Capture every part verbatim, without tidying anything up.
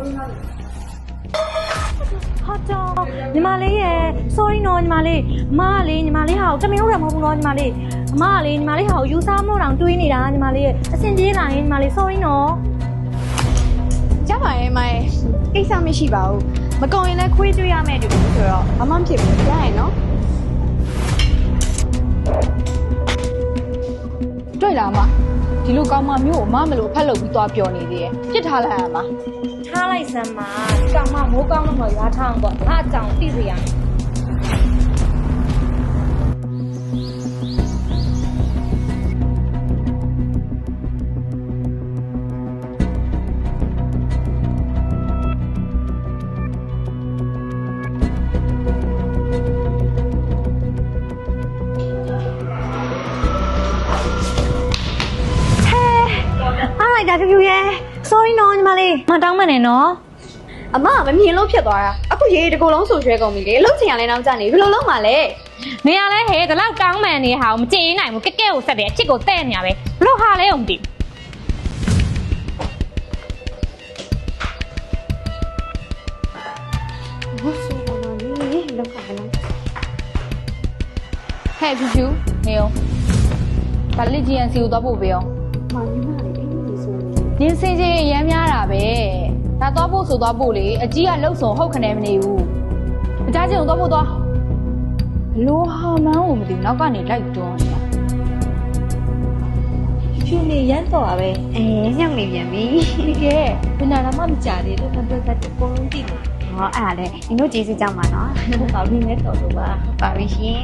ဟာကြောညီမလေးရဲ့ sorry နော်ညီမလေးအမကလေညီမလေးဟာကိုတမင်ဟုတ်တာမဟုတ်ဘူးနော်ညီမလေးအမကလေညီမလေးဟာကိုယူစားမို့တောင်တွေးနေတာညီမလေးရဲ့အဆင်ပြေလာရင်ညီမလေး sorry နော်ကြပါရဲ့မိုင်ကိစ္စမရှိပါဘူးမကုန်ရင်လည်းခွေးတွေ့ရမယ်တူဆိုတော့ဘာမှမဖြစ်ဘူးကြားရင်နော်တွေ့လားမဒီလိုကောင်းမမျိုးကိုမမလို့ဖက်လုပ်ပြီးသွားပြောနေသေးရဲ့ပြစ်ထားလိုက်ရမှာထားလိုက်စမ်းပါကောင်မမိုးကောင်းလို့မရွာထောင်းပေါ့ငါအကြောင်သိစေရမယ်ဒါဖြူဖြူရဲ့ sorry နော်ညီမလေးမတောင်းမနဲ့နော်အမမမြင်လို့ဖြစ်သွားတာအခုရေတကူလုံးဆူရွှဲကုန်ပြီလေလှုပ်ချင်ရလဲနောက်ကျနေဘယ်လိုလုပ်မှာလဲနေရလဲဟဲ့ဒီလောက်တောင်းမှန်နေဟာမကြည့်နိုင်ဘူးကဲကဲကိုဆက်တယ်အချစ်ကိုတဲ့နေရပဲဘလို့ဟာလဲုံတည်ဘုဆိုးပါလေလောက်ကလည်းဟဲ့ဖြူဖြူနေအောင်ဒါလေး ဂျီ အန် စီ ကိုသွားပို့ပေးအောင်မမလေးနင်းစင်ချင်းရမ်းများတာပဲဒါတော့ဖို့ဆိုတော့ဖို့လေအကြီးကလှုပ်ဆောင်ဟုတ်ခနဲ့မနေဘူးအကြချင်းကိုတော့ဖို့သွားလိုဟာမန်းကိုမသိနောက်ကနေလိုက်တွန်းနေတာဖြူနေရမ်းတော့ပါပဲအဲညောင်နေပြန်ပြီဒီကဲဘယ်နာမှမကြသေးလို့ပတ်သက်တဲ့အကုန်လုံးသိတယ်ဟောအဲ့ဒါလေနင်တို့ကျေးဇူးကြောင့်ပါနော်ဟုတ်ပါပြီနဲ့တော်တော့ပါပါပြီရှင်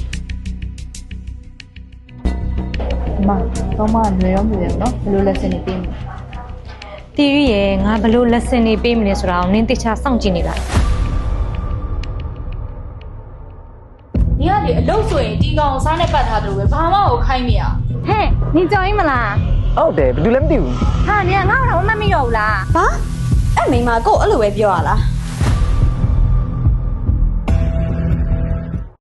မတော့မလွယ်ရောမလွယ်ဘူးနော်ဘယ်လိုလက်စင်နေပေးမလဲတီရီရဲ့ငါဘလို့ lesson တွေပေးမလဲဆိုတာကိုနင်းတခြားစောင့်ကြည့်နေလားညီကလေအလုပ်ဆိုရင်ဒီကောင်စားနဲ့ပတ်ထားတယ်လို့ပဲဘာမှကိုခိုင်းမရဟဲ့နင်ကြော်ရင်မလားဟုတ်တယ်ဘယ်သူလဲမသိဘူးဟာနင်ကငါ့ကိုတော့မမှတ်မိတော့ဘူးလားဘာအဲ့မိမကိုအဲ့လိုပဲပြောရလား